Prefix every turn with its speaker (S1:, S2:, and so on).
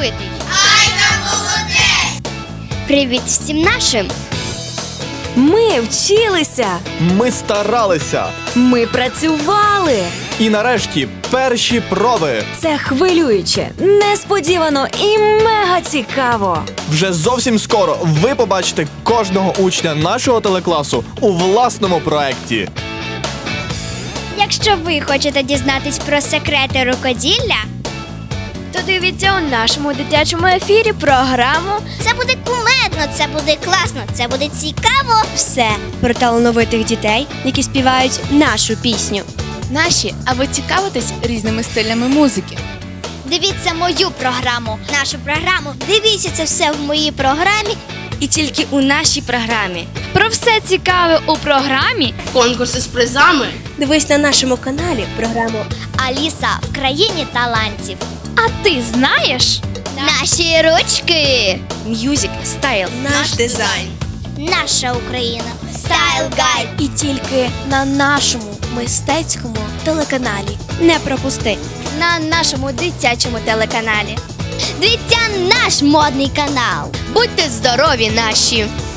S1: талановитий.
S2: Айда молодець!
S1: Привіт всім нашим!
S3: Ми вчилися.
S4: Ми старалися.
S3: Ми працювали.
S4: І нарешті перші проби.
S3: Це хвилююче, несподівано і мега цікаво.
S4: Вже зовсім скоро ви побачите кожного учня нашого телекласу у власному проєкті.
S1: Якщо ви хочете дізнатись про секрети рукоділля,
S5: То дивіться у нашому дитячому ефірі програму
S1: це буде кумедно, це буде класно, це буде цікаво.
S5: «Все» про талановитих дітей, які співають нашу пісню.
S6: Наші, а ви цікавитесь різними стилями музики?
S1: Дивіться мою програму, нашу програму. Дивіться це все в моїй програмі.
S5: І тільки у нашій програмі.
S6: Про все цікаве у програмі
S7: Конкурси з призами.
S5: Дивись на нашому каналі програму
S1: Аліса в країні талантів.
S6: А ти знаєш?
S1: Наші ручки.
S5: «М'юзик Стайл».
S7: Наш дизайн.
S1: Наша Україна. Стайл Гайд.
S5: І тільки на нашому мистецькому телеканалі. Не пропусти.
S1: На нашому дитячому телеканалі. Дивіться наш модний канал.
S5: Будьте здорові, наші!